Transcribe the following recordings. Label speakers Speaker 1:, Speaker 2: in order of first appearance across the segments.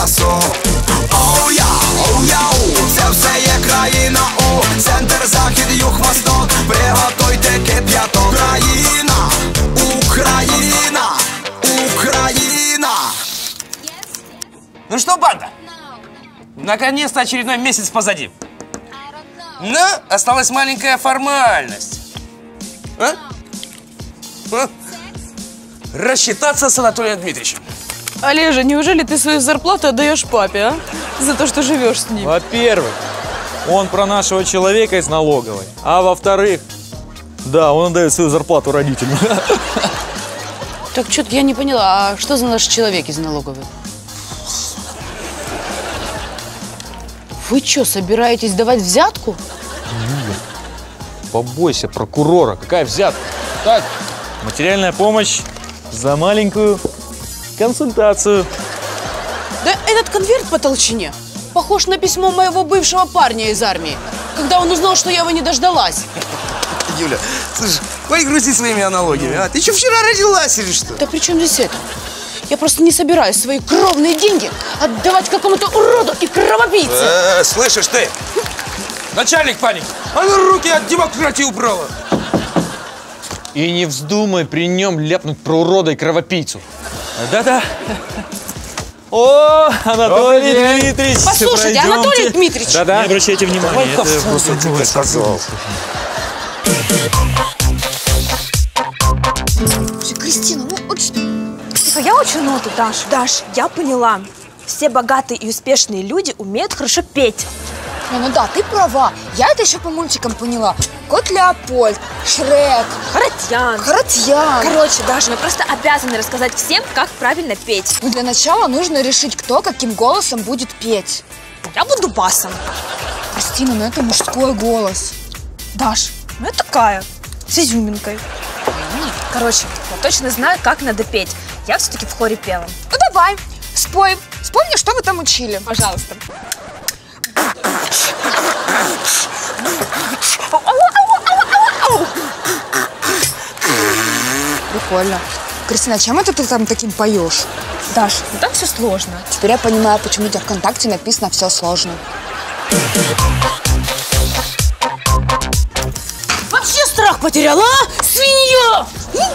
Speaker 1: часу. Оу-яу, це все є країна. Центр, захід, юг, восток. Приготуйте кип'яток. Україна, Україна, Україна.
Speaker 2: Ну что, банда? Наконец-то очередной месяц позади. Но осталась маленькая формальность. Рассчитаться с Анатолием Дмитриевичем.
Speaker 3: Олежа, неужели ты свою зарплату отдаешь папе, а? За то, что живешь с ним.
Speaker 4: Во-первых, он про нашего человека из налоговой. А во-вторых, да, он отдает свою зарплату родителям.
Speaker 3: Так что-то я не поняла, а что за наш человек из налоговой? Вы что, собираетесь давать взятку?
Speaker 4: Побойся прокурора. Какая взятка? Так, материальная помощь за маленькую консультацию.
Speaker 3: Да этот конверт по толщине похож на письмо моего бывшего парня из армии, когда он узнал, что я его не дождалась.
Speaker 2: Юля, слушай, хватит грустить своими аналогиями, а? Ты что, вчера родилась или что?
Speaker 3: Да при чем здесь это? Я просто не собираюсь свои кровные деньги отдавать какому-то уроду и кровопийце.
Speaker 2: Слышишь ты? Начальник паники, а ну руки от демократии убрала.
Speaker 4: И не вздумай при нем ляпнуть про урода и кровопийцу. Да-да. О, Анатолий Дмитриевич,
Speaker 3: послушайте, Анатолий Дмитриевич.
Speaker 4: Да-да. Не обращайте внимания.
Speaker 2: Это просто тебе сказал.
Speaker 5: Кристина, ну вот что?
Speaker 6: Я учу ноты, Даш. Даш, я поняла. Все богатые и успешные люди умеют хорошо петь.
Speaker 5: Ну да, ты права. Я это еще по мультикам поняла. Кот Леопольд, Шрек,
Speaker 6: Харатьян. Короче, Даша, мы просто обязаны рассказать всем, как правильно петь.
Speaker 5: Ну для начала нужно решить, кто каким голосом будет петь.
Speaker 6: Я буду басом.
Speaker 5: Кристина, ну это мужской голос.
Speaker 6: Даш, ну я такая, с изюминкой. Короче, я точно знаю, как надо петь. Я все-таки в хоре пела.
Speaker 5: Ну давай, спой. Вспомни, что вы там учили.
Speaker 6: Пожалуйста.
Speaker 5: Прикольно. Кристина, чем это ты там таким поешь?
Speaker 6: Даш, ну так все сложно.
Speaker 5: Теперь я понимаю, почему у тебя ВКонтакте написано «все сложно».
Speaker 3: Вообще страх потеряла, а? Свинья!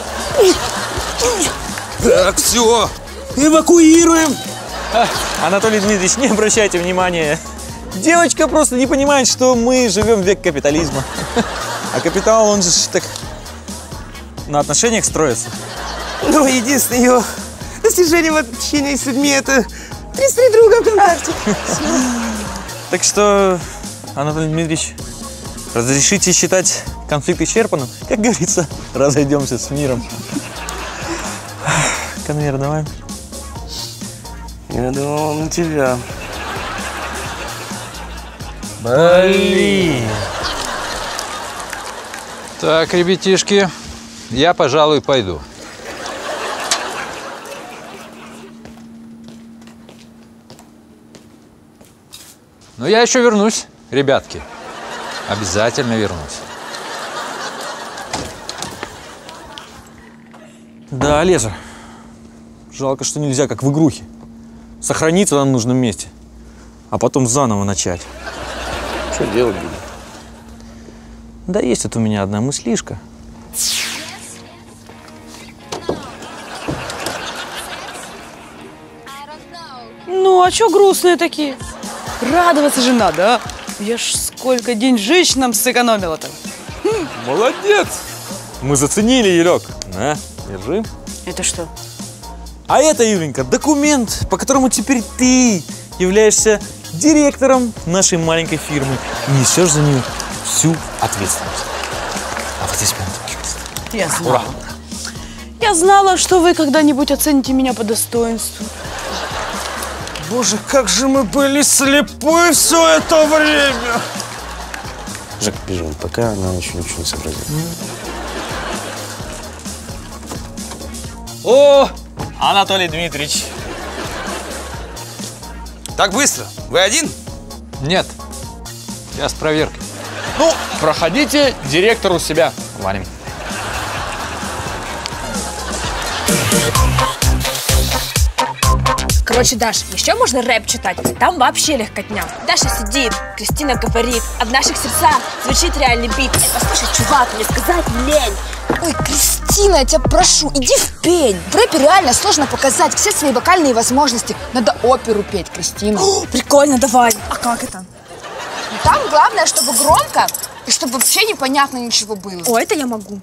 Speaker 2: Так, все, эвакуируем.
Speaker 4: Анатолий Дмитриевич, не обращайте внимания. Девочка просто не понимает, что мы живем в век капитализма. А капитал, он же так на отношениях строится.
Speaker 2: Ну, единственное ее достижение в общении с людьми — это 33 друга ВКонтакте.
Speaker 4: Так что, Анатолий Дмитриевич, разрешите считать конфликт исчерпанным? Как говорится, разойдемся с миром. Конверт давай.
Speaker 2: Я думал на тебя.
Speaker 4: Блин.
Speaker 7: Так, ребятишки, я, пожалуй, пойду. Но я еще вернусь, ребятки. Обязательно вернусь.
Speaker 4: Да, Олежа. Жалко, что нельзя, как в игрухе. Сохраниться на нужном месте, а потом заново начать.
Speaker 2: Что делать будем?
Speaker 4: Да есть тут у меня одна мыслишка.
Speaker 3: Ну, а чё грустные такие? Радоваться же надо, а? Я ж сколько деньжищ нам сэкономила-то.
Speaker 4: Молодец! Мы заценили, Елек. На, держи.
Speaker 3: Это что?
Speaker 4: А это, Юленька, документ, по которому теперь ты являешься директором нашей маленькой фирмы и несешь за нее всю ответственность. А вот здесь прям такие.
Speaker 3: Я знала. Я знала, что вы когда-нибудь оцените меня по достоинству.
Speaker 2: Боже, как же мы были слепы все это время!
Speaker 8: Жек, бежим, пока она еще ничего не сообразила.
Speaker 4: О, Анатолий Дмитриевич.
Speaker 2: Так быстро? Вы один?
Speaker 7: Нет, я с проверкой.
Speaker 4: Ну, проходите, директор у себя. Валим.
Speaker 6: Короче, Даш, еще можно рэп читать. Там вообще легкотня. Даша сидит, Кристина говорит, а в наших сердцах звучит реальный бит. Послушай, чувак, мне сказать лень.
Speaker 5: Ой, Кристина, я тебя прошу, иди в пень. В рэпе реально сложно показать все свои вокальные возможности. Надо оперу петь, Кристина.
Speaker 6: О, прикольно, давай. А как это?
Speaker 5: Там главное, чтобы громко и чтобы вообще непонятно ничего было.
Speaker 6: О, это я могу.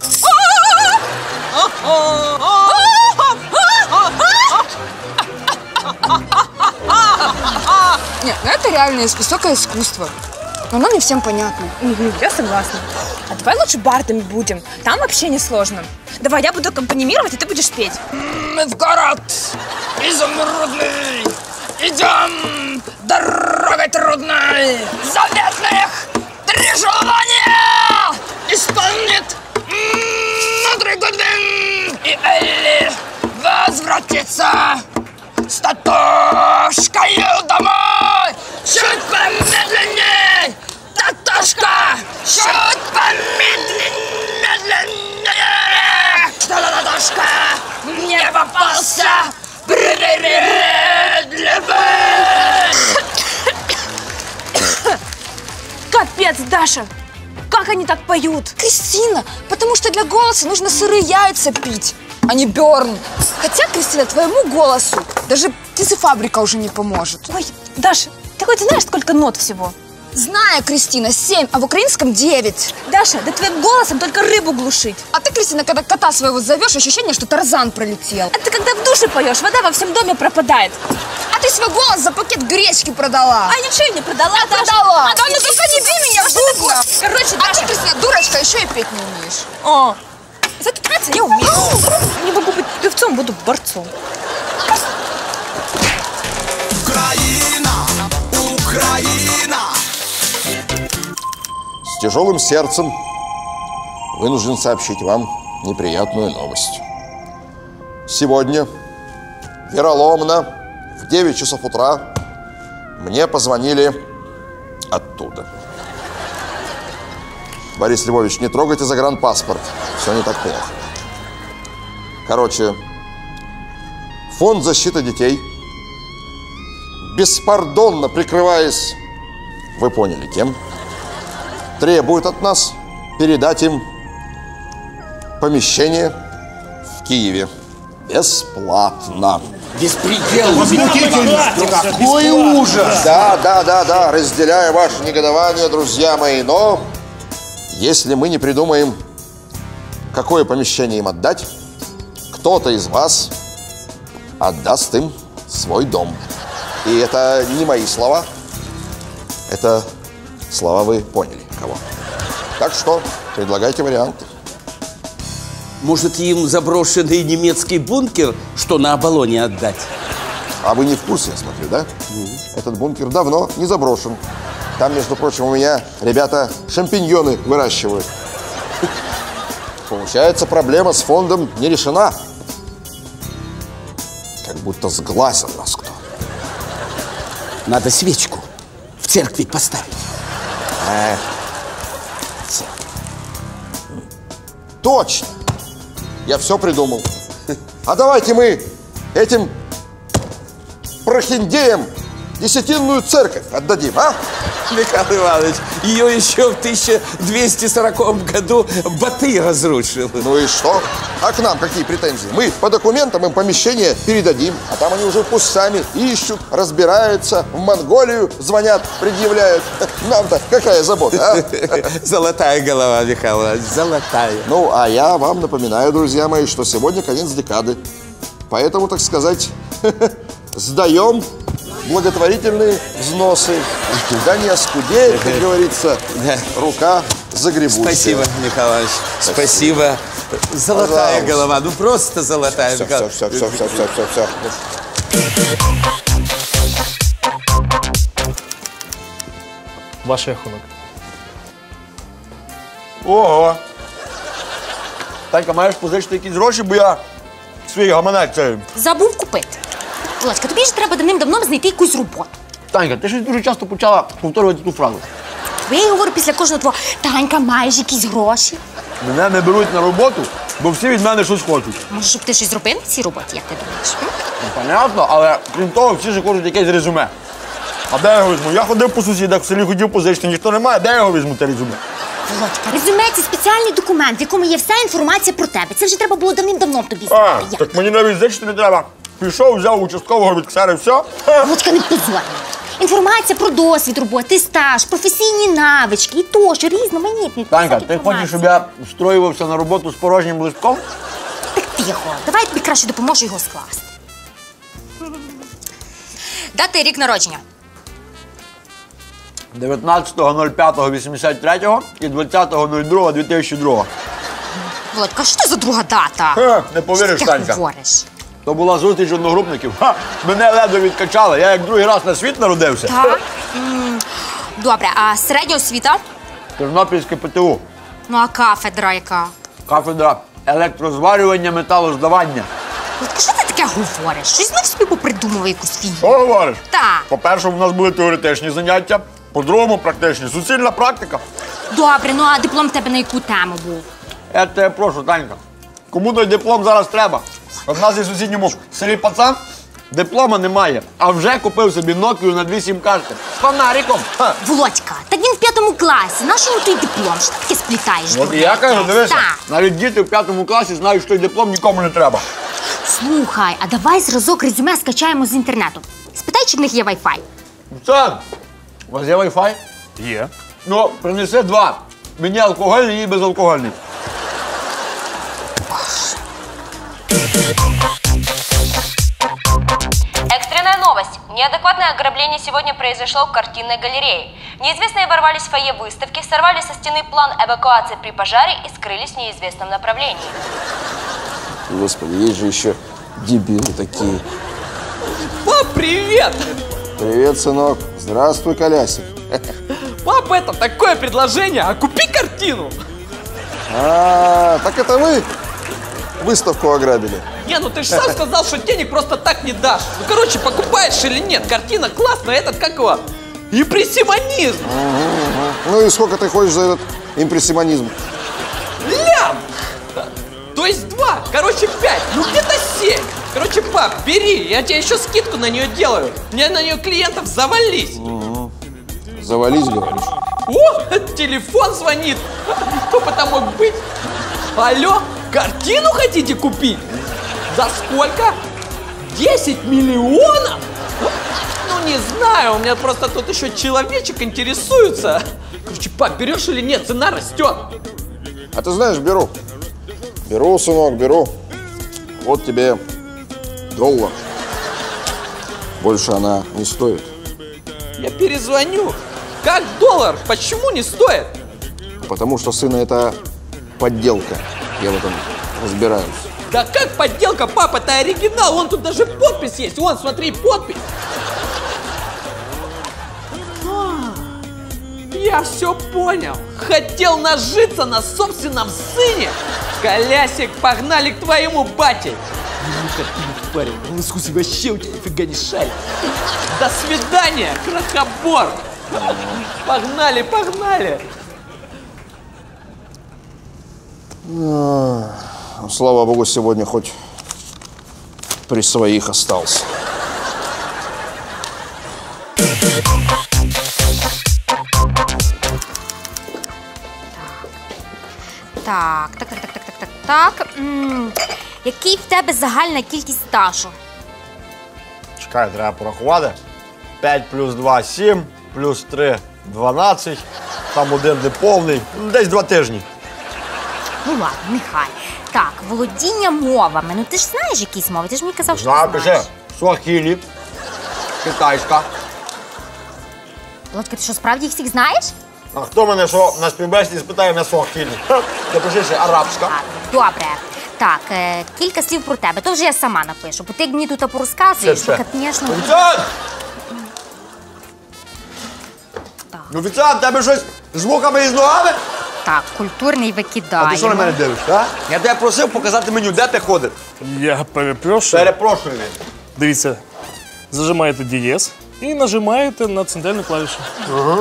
Speaker 5: Нет, ну это реально высокое искусство. Но оно не всем понятно.
Speaker 6: Угу, я согласна. А давай лучше бардами будем. Там вообще не сложно. Давай, я буду аккомпанимировать, а ты будешь петь.
Speaker 2: Мы в город изумрудный идем дорогой трудной. Заветных 3 желания исполнит мудрый Гудвин. И Элли возвратится с Татошкою домой. Чуть помедленней, Татошка, чуть помедленней. Татошка мне попался привередливый.
Speaker 6: Капец, Даша! Как они так поют?
Speaker 5: Кристина, потому что для голоса нужно сырые яйца пить, а не Бёрн. Хотя, Кристина, твоему голосу даже птицефабрика уже не поможет.
Speaker 6: Ой, Даша, ты хоть знаешь, сколько нот всего?
Speaker 5: Знаю, Кристина, 7, а в украинском 9.
Speaker 6: Даша, да твоим голосом только рыбу глушить.
Speaker 5: А ты, Кристина, когда кота своего зовешь, ощущение, что Тарзан пролетел.
Speaker 6: А ты когда в душе поешь, вода во всем доме пропадает.
Speaker 5: А ты свой голос за пакет гречки продала.
Speaker 6: А ничего я не продала, Даша.
Speaker 5: Продала.
Speaker 6: А
Speaker 5: Да ну только не бей меня,
Speaker 6: что
Speaker 5: дурно.
Speaker 6: Короче,
Speaker 5: А
Speaker 6: Даша.
Speaker 5: ты, Кристина, дурочка, еще и петь не умеешь.
Speaker 6: О, зато петь я умею. Не могу быть певцом, буду борцом.
Speaker 1: Украина, Украина.
Speaker 9: С тяжелым сердцем вынужден сообщить вам неприятную новость. Сегодня, вероломно, в 9 часов утра мне позвонили оттуда. Борис Львович, не трогайте загранпаспорт. Все не так плохо. Короче, Фонд защиты детей, беспардонно прикрываясь, вы поняли, кем, требует от нас передать им помещение в Киеве. Бесплатно.
Speaker 10: Беспредел! Возмутительно! Какой ужас!
Speaker 9: Да, разделяю ваше негодование, друзья мои, но если мы не придумаем, какое помещение им отдать, кто-то из вас отдаст им свой дом. И это не мои слова, это слова вы поняли кого. Так что предлагайте варианты.
Speaker 10: Может, им заброшенный немецкий бункер, что на Оболоне, отдать?
Speaker 9: А вы не в курсе, я смотрю, да? Этот бункер давно не заброшен. Там, между прочим, у меня ребята шампиньоны выращивают. Получается, проблема с фондом не решена. Как будто сглазил нас кто.
Speaker 10: Надо свечку в церкви поставить.
Speaker 9: Точно! Я все придумал. А давайте мы этим прохиндеям десятинную церковь отдадим, а?
Speaker 10: Михаил Иванович, ее еще в 1240 году Батый разрушил.
Speaker 9: Ну и что? А к нам какие претензии? Мы по документам им помещение передадим, а там они уже пусть сами ищут, разбираются, в Монголию звонят, предъявляют. Нам-то какая забота, а?
Speaker 10: Золотая голова, Михаил Иванович, золотая.
Speaker 9: Ну, а я вам напоминаю, друзья мои, что сегодня конец декады. Поэтому, так сказать, сдаем благотворительные взносы. Да не оскудеет, как говорится, рука загребущая.
Speaker 10: Спасибо, Михаил Иванович. Спасибо. Золотая голова, ну просто золотая.
Speaker 9: Все.
Speaker 4: Ваш рахунок.
Speaker 11: Ого! Танька, маєш позичити якісь гроші, бо я свій гаманець це...
Speaker 12: Забув купити. Володька, тобі ж треба давним-давно знайти якусь роботу.
Speaker 11: Танька, ти щось дуже часто почала повторювати ту фразу.
Speaker 12: Я говорю після кожного твого, Танька, маєш якісь гроші?
Speaker 11: Мене не беруть на роботу, бо всі від мене щось хочуть.
Speaker 12: Може, щоб ти щось зробив на цій роботі, як ти думаєш?
Speaker 11: Ну, понятно, але крім того, всі ж хочуть якесь резюме. А де я його візьму? Я ходив по сусідах, в селі хотів позичити, ніхто не має, де я його візьму, те резюме?
Speaker 12: Володька, резюме – це спеціальний документ, в якому є вся інформація про тебе. Це вже треба було давним-давно тобі знати.
Speaker 11: Так мені навіть зичити не треба. Пішов, взяв участкового від ксери, все.
Speaker 12: Володька, не позорь. Інформація про досвід роботи, стаж, професійні навички і тощо, різноманітні.
Speaker 11: Танька, ти хочеш, щоб я встроювався на роботу з порожнім листком?
Speaker 12: Так тихо, давай я тобі краще допоможу його скласти. Дати рік народження.
Speaker 11: 19.05.83 і 20.02.2002.
Speaker 12: Володька, що це за друга дата?
Speaker 11: Не повіриш,
Speaker 12: Що ти
Speaker 11: Танька.
Speaker 12: говориш?
Speaker 11: То була зустріч одногрупників. Мене ледве відкачали, я як другий раз на світ народився.
Speaker 12: Так. Добре, а середня освіта?
Speaker 11: Тернопільське ПТУ.
Speaker 12: Ну, а кафедра яка?
Speaker 11: Кафедра електрозварювання, металоздавання.
Speaker 12: Володька, що ти таке говориш? Щось знов собі попридумував якусь фігню.
Speaker 11: Що говориш?
Speaker 12: Так.
Speaker 11: По-перше, у нас були теоретичні заняття, по-другому практичні. Суцільна практика.
Speaker 12: Добре, ну а диплом в тебе на яку тему був?
Speaker 11: Я тебе прошу, Танька. Кому той диплом зараз треба? От в нас є в сусідньому селі пацан, диплома немає, а вже купив собі Nokia на 2 сім-карти. З фонариком.
Speaker 12: Володька, так він в 5 класі. Нащо йому той диплом? Що ти таке сплітаєш?
Speaker 11: От і я кажу, дивися,
Speaker 12: Так.
Speaker 11: навіть діти в 5 класі знають, що той диплом нікому не треба.
Speaker 12: Слухай, а давай зразок резюме скачаємо з інтернету. Спитай, чи в них є Wi-Fi.
Speaker 11: Пацан, у вас є Wi-Fi?
Speaker 4: Є.
Speaker 11: Ну, принеси 2. Мені алкогольний і безалкогольний.
Speaker 13: Экстренная новость. Неадекватное ограбление сегодня произошло в картинной галерее. Неизвестные ворвались в фойе выставки, сорвали со стены план эвакуации при пожаре и скрылись в неизвестном направлении.
Speaker 9: Господи, есть же еще дебилы такие.
Speaker 14: Пап, привет!
Speaker 9: Привет, сынок. Здравствуй, колясик.
Speaker 14: Пап, это такое предложение, а купи картину!
Speaker 9: Так это вы выставку ограбили?
Speaker 14: Не, ну ты же сам сказал, что денег просто так не дашь. Ну, короче, покупаешь или нет, картина классная, этот, как его, импрессионизм.
Speaker 9: Ну и сколько ты хочешь за этот импрессионизм?
Speaker 14: Лям! То есть 2, короче 5, ну где-то 7. Короче, пап, бери, я тебе еще скидку на нее делаю. Мне на нее клиентов завались.
Speaker 9: Завались, говоришь?
Speaker 14: О, телефон звонит. Кто бы там мог быть? Алло, картину хотите купить? За сколько? 10 миллионов? Ну, не знаю, у меня просто тут еще человечек интересуется. Короче, пап, берешь или нет? Цена растет.
Speaker 9: А ты знаешь, беру. Беру, сынок, беру. Вот тебе $1. Больше она не стоит.
Speaker 14: Я перезвоню. Как $1? Почему не стоит?
Speaker 9: Потому что, сына, это подделка. Я в этом разбираюсь.
Speaker 14: Да как подделка, папа, это оригинал. Вон тут даже подпись есть. Вон, смотри, подпись. Я все понял. Хотел нажиться на собственном сыне. Колясик, погнали к твоему бате. Ну, картину, парень, в искусстве вообще у тебя нифига не шарит. До свидания, крохобор. Погнали, погнали.
Speaker 9: Слава богу, сегодня хоть при своих остался.
Speaker 12: Так. Який в тебе загальна кількість стажу?
Speaker 11: Чекай, треба порахувати. 5 плюс 2 – 7, плюс 3 – 12, там один неповний, десь 2 тижні.
Speaker 12: Ну ладно, нехай. Так, володіння мовами. Ну ти ж знаєш якісь мови, ти ж мені казав, що
Speaker 11: Знаю,
Speaker 12: ти
Speaker 11: пише,
Speaker 12: знаєш.
Speaker 11: суахілі, китайська.
Speaker 12: Володька, ти що, справді їх всіх знаєш?
Speaker 11: А хто мене що на співбесіді спитає на суахілі? Напиши ще арабська.
Speaker 12: Добре. Так, кілька слів про тебе. То вже я сама напишу. Бо ти як мені тут порозказуєш, то, звісно...
Speaker 11: Офіціант! Офіціант, тебе щось з вухами і з ногами?
Speaker 12: Так, культурний викидаємо.
Speaker 11: А ти що на мене дивишся, а? Я тебе просив показати меню, де ти ходиш?
Speaker 4: Я перепрошую.
Speaker 11: Перепрошую.
Speaker 4: Дивіться, зажимаєте дієз і нажимаєте на центральну клавішу.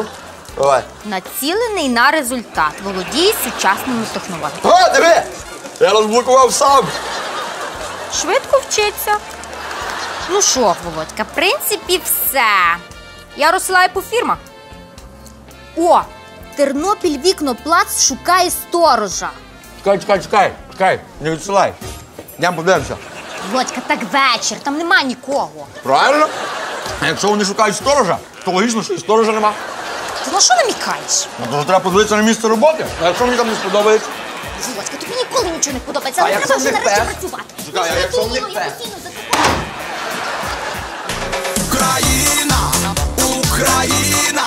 Speaker 11: Давай.
Speaker 12: Націлений на результат. Володіє сучасними технологіями.
Speaker 11: О, диви! Я розблокував сам.
Speaker 12: Швидко вчиться. Ну що, Володька, в принципі, все. Я розсилаю по фірмах. О, Тернопіль Вікноплац шукає сторожа.
Speaker 11: Чекай, не відсилай. Йдемо подивимося.
Speaker 12: Володька, так вечір, там нема нікого.
Speaker 11: Правильно? А якщо вони шукають сторожа, то логічно, що і сторожа нема.
Speaker 12: Ти на що намікаєш?
Speaker 11: Ну, то треба подивитися на місце роботи. А якщо мені там не сподобається?
Speaker 12: Володька, тобі ніколи нічого не подобається,
Speaker 11: А
Speaker 12: але
Speaker 11: якщо
Speaker 12: треба вже
Speaker 11: в них
Speaker 12: нарешті
Speaker 11: пес?
Speaker 12: працювати.
Speaker 11: Чекай, а якщо в них пес?
Speaker 1: Украина, Украина.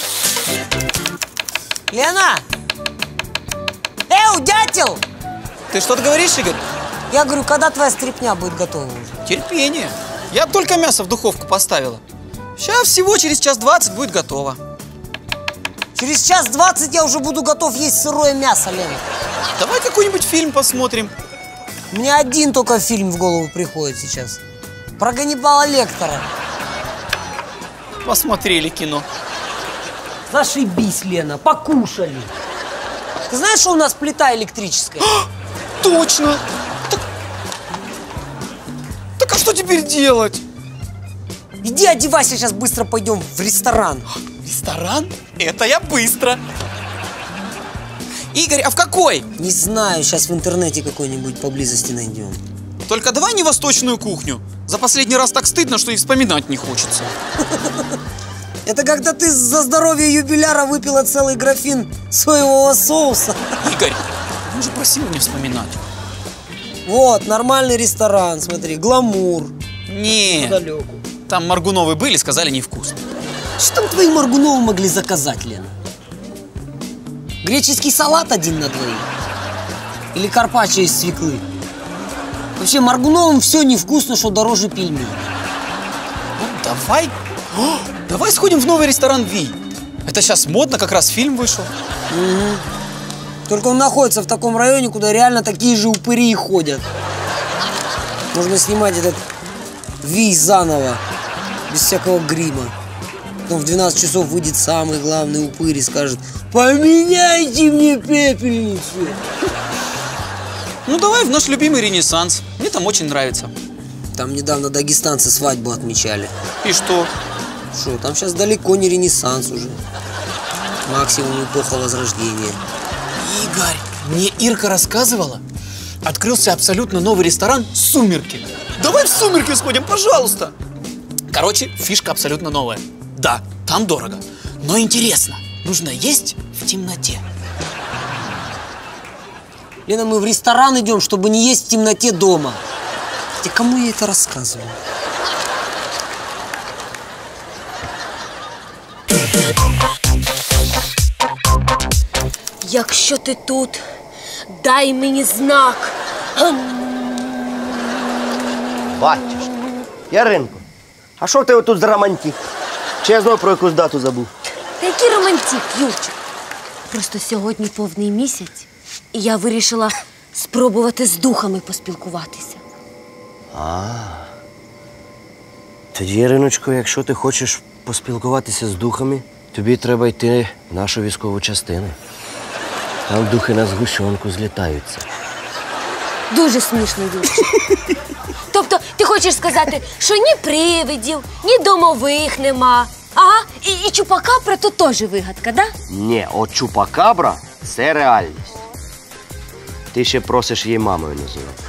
Speaker 15: Лена! Эу, дятел!
Speaker 16: Ты что-то говоришь, Игорь?
Speaker 15: Я говорю, когда твоя стряпня будет готова уже?
Speaker 16: Терпение. Я только мясо в духовку поставила. Сейчас всего через 1:20 будет готово.
Speaker 15: Через 1:20 я уже буду готов есть сырое мясо, Лена.
Speaker 16: Давай какой-нибудь фильм посмотрим.
Speaker 15: Мне один только фильм в голову приходит сейчас. Про Ганнибала Лектора.
Speaker 16: Посмотрели кино.
Speaker 15: Зашибись, Лена, покушали. Ты знаешь, что у нас плита электрическая?
Speaker 16: Точно! Так а что теперь делать?
Speaker 15: Иди одевайся, сейчас быстро пойдем в ресторан.
Speaker 16: Ресторан? Это я быстро. Игорь, а в какой?
Speaker 15: Не знаю, сейчас в интернете какой-нибудь поблизости найдем.
Speaker 16: Только давай не восточную кухню. За последний раз так стыдно, что и вспоминать не хочется.
Speaker 15: Это когда ты за здоровье юбиляра выпила целый графин соевого соуса.
Speaker 16: Игорь, мы же просили не вспоминать.
Speaker 15: Вот, нормальный ресторан, смотри, гламур.
Speaker 16: Не, там Моргуновы были, сказали невкусно.
Speaker 15: Что там твои Моргуновы могли заказать, Лена? Греческий салат 1 на 2? Или карпаччо из свеклы? Вообще, Моргуновым все невкусно, что дороже пельменей.
Speaker 16: Ну, давай. Давай сходим в новый ресторан Ви. Это сейчас модно, как раз фильм вышел.
Speaker 15: Угу. Только он находится в таком районе, куда реально такие же упыри и ходят. Можно снимать этот Ви заново, без всякого грима. Потом в 12 часов выйдет самый главный упырь и скажет: поменяйте мне пепельницу.
Speaker 16: Ну давай в наш любимый Ренессанс. Мне там очень нравится.
Speaker 15: Там недавно дагестанцы свадьбу отмечали.
Speaker 16: И что?
Speaker 15: Что, там сейчас далеко не Ренессанс уже. Максимум эпоха Возрождения.
Speaker 16: Игорь, мне Ирка рассказывала, открылся абсолютно новый ресторан «Сумерки». Давай в «Сумерки» сходим, пожалуйста. Короче, фишка абсолютно новая. Да, там дорого, но интересно. Нужно есть в темноте.
Speaker 15: Лена, мы в ресторан идем, чтобы не есть в темноте дома. Хотя кому я это рассказываю?
Speaker 6: Якщо ти тут, дай мені знак.
Speaker 17: Батюшки. Яринко, а що в тебе тут за романтик? Чи я знову про якусь дату забув?
Speaker 6: Та який романтик, Юрчик? Просто сьогодні повний місяць, і я вирішила спробувати з духами поспілкуватися.
Speaker 17: Тоді, Яриночко, якщо ти хочеш поспілкуватися з духами, тобі треба йти в нашу військову частину. Там духи на згущенку злітаються.
Speaker 6: Дуже смішно, Юрчик. Тобто ти хочеш сказати, що ні привидів, ні домових нема. Ага, і Чупакабра то теж вигадка, да?
Speaker 17: Ні, от Чупакабра – це реальність. Ти ще просиш її мамою називати.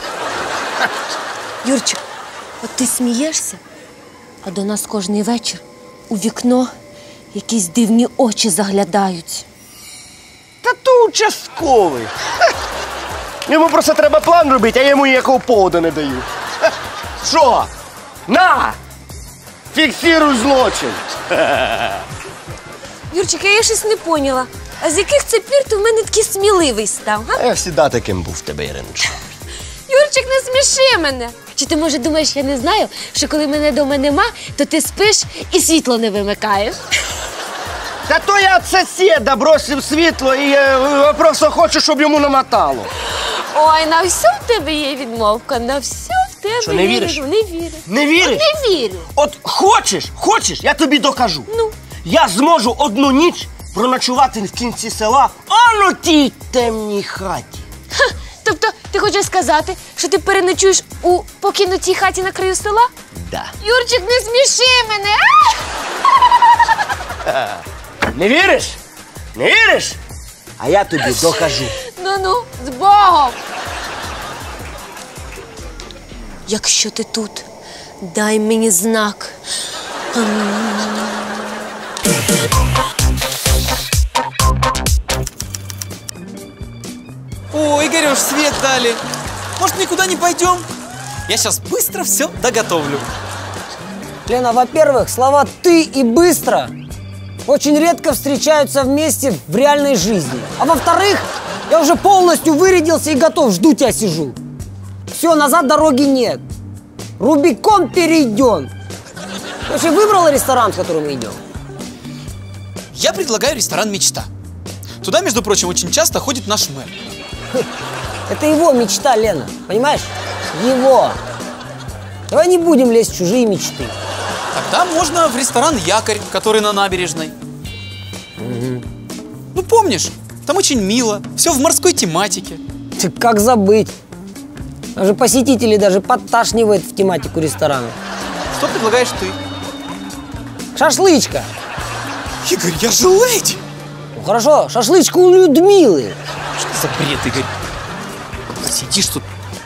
Speaker 6: Юрчик, от ти смієшся, а до нас кожний вечір у вікно якісь дивні очі заглядають.
Speaker 17: Та то участковий. Йому просто треба план робити, а я йому ніякого поводу не даю. Що? На! Фіксируй злочин!
Speaker 6: Юрчик, я щось не поняла. А з яких це пір ти в мене такий сміливий став, га?
Speaker 17: А я завжди таким був в тебе, Іриночко.
Speaker 6: Юрчик, не сміши мене. Чи ти, може, думаєш, я не знаю, що коли мене вдома нема, то ти спиш і світло не вимикаєш?
Speaker 17: Та то я від сусіда бросив світло і просто хочу, щоб йому намотало.
Speaker 6: Ой, на все в тебе є відмовка, на все в тебе
Speaker 17: Що, не
Speaker 6: є
Speaker 17: віриш?
Speaker 6: відмовка. Не вірю.
Speaker 17: Не віриш?
Speaker 6: От не вірю.
Speaker 17: От хочеш, я тобі докажу.
Speaker 6: Ну?
Speaker 17: Я зможу одну ніч проночувати в кінці села, а на тій темній хаті.
Speaker 6: Ха, то Тобто, ти хочеш сказати, що ти переночуєш у покинутій хаті на краю села?
Speaker 17: Да.
Speaker 6: Юрчик, не сміши мене!
Speaker 17: Не віриш? Не віриш? А я тобі докажу.
Speaker 6: Ну-ну, з Богом! Якщо ти тут, дай мені знак.
Speaker 4: О, Игорёш, свет дали. Может, никуда не пойдем? Я сейчас быстро все доготовлю.
Speaker 15: Лена, во-первых, слова «ты» и «быстро» очень редко встречаются вместе в реальной жизни. А во-вторых, я уже полностью вырядился и готов, жду тебя, сижу. Все, назад дороги нет. Рубикон перейден. Ты вообще выбрала ресторан, в который мы идем?
Speaker 16: Я предлагаю ресторан «Мечта». Туда, между прочим, очень часто ходит наш мэр.
Speaker 15: Это его мечта, Лена, понимаешь? Его. Давай не будем лезть в чужие мечты.
Speaker 16: Тогда можно в ресторан «Якорь», который на набережной. Ну, помнишь, там очень мило, все в морской тематике.
Speaker 15: Ты как забыть? Даже посетителей даже подташнивает в тематику ресторана.
Speaker 16: Что предлагаешь ты?
Speaker 15: Шашлычка.
Speaker 16: Игорь, я же леди.
Speaker 15: Ну хорошо, шашлычка у Людмилы.
Speaker 16: Что за бред, Игорь? Сидишь тут.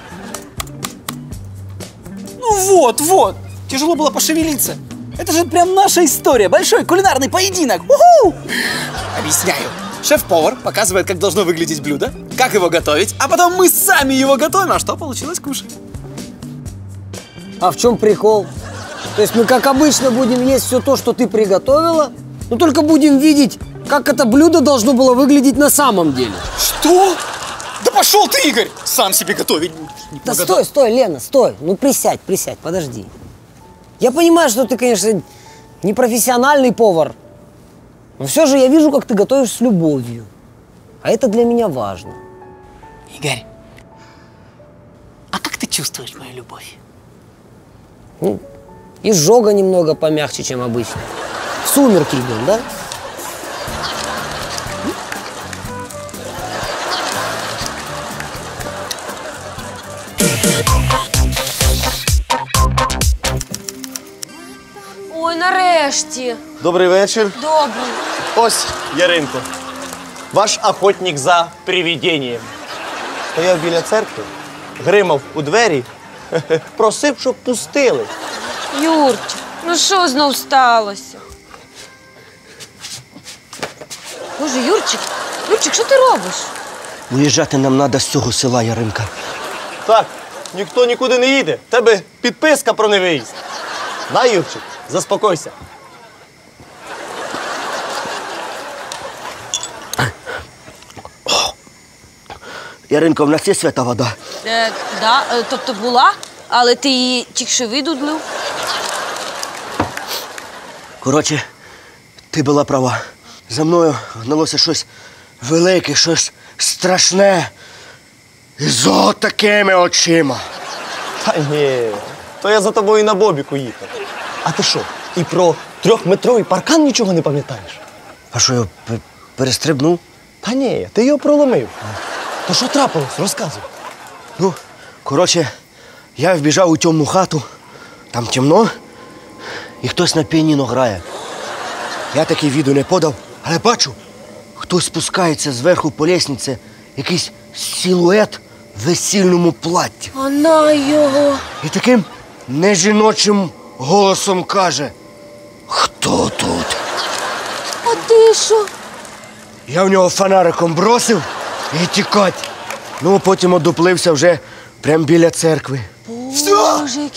Speaker 16: Ну вот. Тяжело было пошевелиться. Это же прям наша история. Большой кулинарный поединок. У-ху! Объясняю. Шеф-повар показывает, как должно выглядеть блюдо, как его готовить, а потом мы сами его готовим, а что получилось кушать.
Speaker 15: А в чем прикол? То есть мы, как обычно, будем есть все то, что ты приготовила, но только будем видеть, как это блюдо должно было выглядеть на самом деле.
Speaker 16: Что? Да пошел ты, Игорь! Сам себе готовить будешь.
Speaker 15: Да стой, Лена, стой. Ну присядь, подожди. Я понимаю, что ты, конечно, не профессиональный повар, но все же я вижу, как ты готовишь с любовью. А это для меня важно.
Speaker 16: Игорь, а как ты чувствуешь мою любовь?
Speaker 15: Ну, изжога немного помягче, чем обычно. В сумерки идем, да?
Speaker 6: Ой, нарешті.
Speaker 17: Добрий вечір.
Speaker 6: Добре.
Speaker 17: Ось, Яринко, ваш охотник за привидінням. Стояв біля церкви, гримав у двері, просив, щоб пустили.
Speaker 6: Юрчик, ну що знов сталося? Боже, Юрчик, що ти робиш?
Speaker 17: Виїжджати нам треба з цього села, Яринка. Так, ніхто нікуди не їде. В тебе підписка про невиїзд. На, Юрчик, заспокойся. Яринко, в нас є свята вода?
Speaker 6: Тобто була, але ти її тільки що видудлив.
Speaker 17: Коротше, ти була права. За мною гналося щось велике, щось страшне. І з отакими очима. Та ні, то я за тобою на бобіку їхав. А ти що, і про 3-метровий паркан нічого не пам'ятаєш? А що, я перестрибнув? Та ні, ти його проломив. То що трапилось? Розказуй. Ну, коротше, я вбіжав у темну хату, там темно, і хтось на піаніно грає. Я такий віду не подав, але бачу, хтось спускається зверху по лестниці, якийсь силует в весільному платті.
Speaker 6: А на його.
Speaker 17: І таким нежіночим голосом каже: «Хто тут?»
Speaker 6: А ти що?
Speaker 17: Я в нього фонариком бросив і тікать. Ну, потім одуплився вже прямо біля церкви.
Speaker 6: Боже,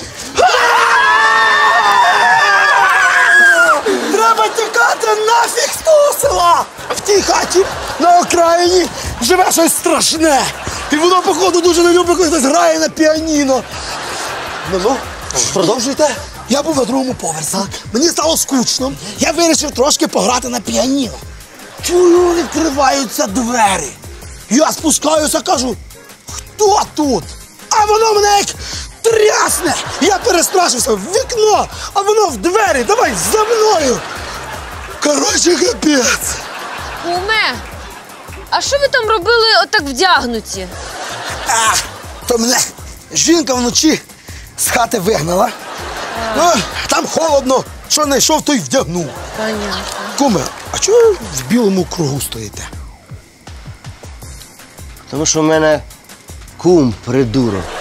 Speaker 18: Треба тікати нафіг з того села! В тій хаті на окраїні живе щось страшне. І воно, походу, дуже не любить, коли хтось грає на піаніно. Ну, продовжуйте. Я був на другому поверсі. Мені стало скучно. Я вирішив трошки пограти на піаніно. Чую, відкриваються двері. Я спускаюся, кажу: «Хто тут?» А воно мене як трясне. Я перестрашився в вікно, а воно в двері. Давай за мною. Коротше, капець.
Speaker 6: Куме, а що ви там робили отак вдягнуті?
Speaker 18: То мене жінка вночі з хати вигнала. Ну, там холодно, що знайшов, то й вдягнув.
Speaker 3: Понятно.
Speaker 18: Куме, а чого ви в білому кругу стоїте?
Speaker 17: Тому що в мене кум придурок.